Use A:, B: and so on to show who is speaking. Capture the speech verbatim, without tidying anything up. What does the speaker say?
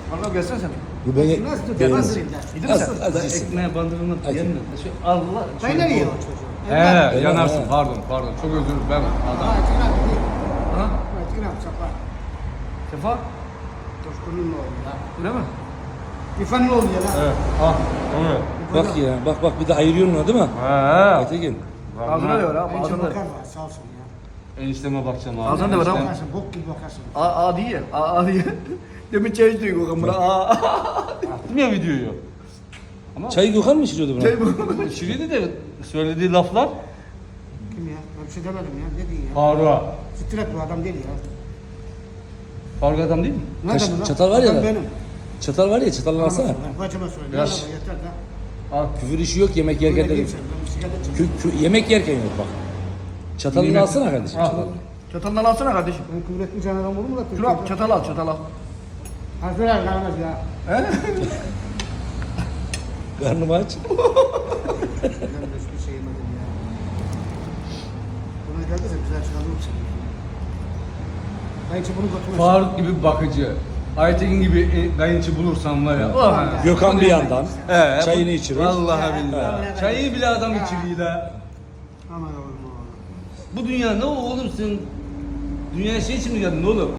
A: Vallahi gelsene sen.
B: Bu beni
C: Nasıl tutuyor?
B: beğenmez.
C: Nasıl eder?
A: Gidin mi
B: Az-
A: sen?
B: az
A: Da
B: yesin.
A: ekmeğe bandırılmak
B: Hadi.
A: yenmez. Şu Allah.
C: Kaynar yiyor o çocuğu.
A: He yanarsın pardon pardon çok özür dilerim ben adam.
C: Ha, tıkıram değil.
A: Ha?
C: Ha, tıkıram sapar.
A: Sefa?
C: Toşkunun oğlu ya.
A: Öyle mi?
C: İfanın oğlu ya lan.
A: Evet. Ha. Onu.
B: Bak ya bak bak bir de ayırıyorsun onu değil mi?
A: He.
B: Aytekin.
A: Ağzına da var abi
C: Bence
A: ağzına da.
C: bakar var sağ olsun ya.
A: Enişteme bakacağım abi. Ağzına da var ama.
C: Bakarsın bok gibi bakarsın.
A: A a diye. A a diye. Demin çay içtik o kamera. A a. Attım ya videoyu. Ama
B: Çayı Gökhan mı içiriyordu buna?
A: şey bu. Şiriydi de söylediği laflar.
C: Kim ya? Ben bir şey demedim ya. Ne diyeyim ya?
A: Faruk'a.
C: Stret bu adam değil ya.
A: Faruk adam değil mi?
C: Ne
B: Kaş-
C: adamı lan?
B: çatal var ya
C: Adam
B: lan.
C: benim.
B: Çatal var ya çatalını alsana.
C: Ben bacıma söyleyeyim.
A: Biraz-
C: Biraz. Yeter de.
A: Al.
B: Küfür işi yok yemek yerken
C: Böyle
B: de.
C: diyeyim sen, ben bir sigara içeyim.
B: Kü, kü, yemek yerken yok bak. Çatalını
A: Yemek-
B: alsana kardeşim.
A: Al.
B: Çatalını.
A: Çatalından alsana kardeşim.
C: Ben küfür etmeyeceğim adam olur mu da?
A: Şunu al, çatal al, çatal al.
C: Harfler kalmaz ya.
A: He?
B: Karnımı aç.
C: Ben de hiçbir şey yemedim ya. Buna geldiyse güzel çıkardım seni. Ben için bunu götürmez.
A: Faruk gibi bakıcı. Aytekin gibi e, kayınçı bulursan var ya. Oh,
B: Gökhan bir yandan.
A: He,
B: Çayını
A: bu-
B: içirir.
A: Vallahi billahi.
C: He.
A: Çayı bile adam içiriyor la.
C: Aman oğlum oğlum.
A: Bu dünya ne oğlum sen? Dünyaya şey için mi geldin oğlum?